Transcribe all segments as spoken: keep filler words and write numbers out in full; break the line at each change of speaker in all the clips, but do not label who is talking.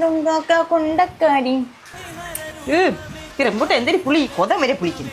കൊണ്ടക്കാരി rambutan എന്തൊരു പുളി കൊതം വരെ പുളിക്കുന്നു.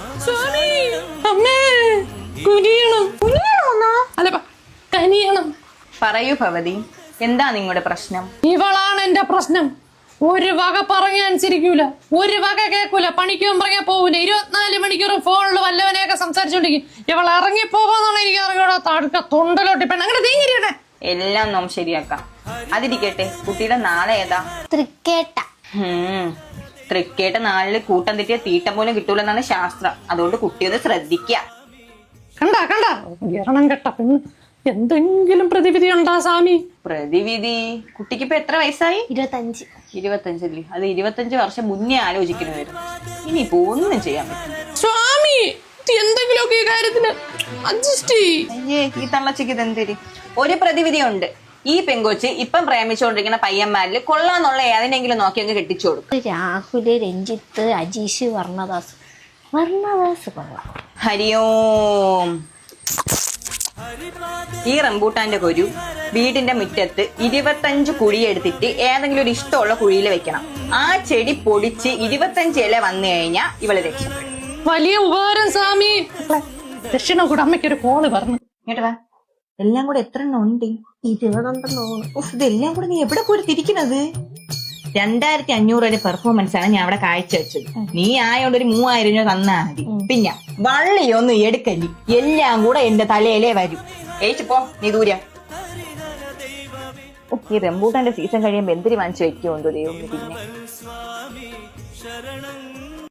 പറയൂ ഭവതി, എന്താ നിങ്ങളുടെ പ്രശ്നം?
ഇവളാണ് എന്റെ പ്രശ്നം. ഒരു വക പറഞ്ഞ അനുസരിക്കൂല, ഒരു വക കേൾക്കൂല, പണിക്കും പറഞ്ഞാൽ പോകൂല. ഇരുപത്തിനാല് മണിക്കൂറും ഫോണിൽ വല്ലവനെയൊക്കെ സംസാരിച്ചോണ്ടിരിക്കും. ഇവൾ ഇറങ്ങി പോകാന്നാണ് എനിക്ക് ഇറങ്ങിയോടെ തടുക്ക തൊണ്ടലോട്ടി പെണ്ണ് അങ്ങനെ തീങ്ങിരിക്കട്ടെ.
എല്ലാം നാം ശരിയാക്കാം. അതിരിക്കട്ടെ, കുട്ടിയുടെ നാളെ ഏതാ?
തൃക്കേട്ട.
തൃക്കേട്ട നാളില് കൂട്ടം തെറ്റിയ തീട്ടം പോലും കിട്ടൂലെന്നാണ് ശാസ്ത്രം. അതുകൊണ്ട് കുട്ടിയത് ശ്രദ്ധിക്ക.
കണ്ട കണ്ട എറണം കെട്ട പെണ്ണ്. എന്തെങ്കിലും പ്രതിവിധി ഉണ്ടാ സ്വാമി?
പ്രതിവിധി? കുട്ടിക്ക് ഇപ്പൊ എത്ര വയസ്സായി?
ഇരുപത്തഞ്ച്.
ഇരുപത്തഞ്ചല്ലേ? അത് ഇരുപത്തഞ്ച് വർഷം മുന്നേ ആലോചിക്കണമായിരുന്നു. ഇനിയിപ്പോ ഒന്നും ചെയ്യാൻ പറ്റും.
സ്വാമി എന്തെങ്കിലുമൊക്കെ ഈ കാര്യത്തിന് അഡ്ജസ്റ്റ് ചെയ്യ്.
അയ്യേ, ഈ തള്ളച്ചിക്ക് ഇതെന്തരി? ഒരു പ്രതിവിധി ഉണ്ട്. ഈ പെങ്കൊച്ച് ഇപ്പം പ്രേമിച്ചുകൊണ്ടിരിക്കുന്ന പയ്യന്മാരില് കൊള്ളാന്നുള്ള ഏതിനെങ്കിലും നോക്കി അങ്ങ് കെട്ടിച്ചു കൊടുക്കും.
രാഹുല്, രഞ്ജിത്ത്, അജീഷ്, വർണ്ണദാസ്. വർണ്ണദാസ് കൊള്ളാം.
ഹരിയോം. ഈ റംബൂട്ടാന്റെ കൊരു വീടിന്റെ മുറ്റത്ത് ഇരുപത്തഞ്ച് കുഴിയെടുത്തിട്ട് ഏതെങ്കിലും ഒരു ഇഷ്ടമുള്ള കുഴിയിൽ വെക്കണം. ആ ചെടി പൊടിച്ച് ഇരുപത്തഞ്ച് ഇല വന്നു കഴിഞ്ഞാ ഇവള് രക്ഷപ്പെടും.
വലിയ ഉപകാരം സ്വാമി. ദക്ഷിണ കൂടെ അമ്മയ്ക്കൊരു കോള് പറഞ്ഞു.
കേട്ടോ വാ, എല്ലാം കൂടെ എത്ര എണ്ണം ഉണ്ട്?
ഇരുപതെണ്ണെണ്ണോ.
ഇതെല്ലാം കൂടെ നീ എവിടെ പോയി തിരിക്കണത്? രണ്ടായിരത്തി അഞ്ഞൂറ് വരെ പെർഫോമൻസ് ആണ് ഞാൻ അവിടെ കാഴ്ച വെച്ചത്. നീ ആയോണ്ട് ഒരു മൂവായിരം രൂപ തന്നാ മതി. പിന്നെ വള്ളിയൊന്നും എടുക്കല്ലി, എല്ലാം കൂടെ എന്റെ തലയിലേ വരും. ഏച്ചിപ്പോ നീ ദൂര. ഈ റംബൂട്ടാന്റെ സീസൺ കഴിയുമ്പോ എന്തിരി വാങ്ങിച്ചു വെക്കുമോ എന്തോ ദൈവം. പിന്നെ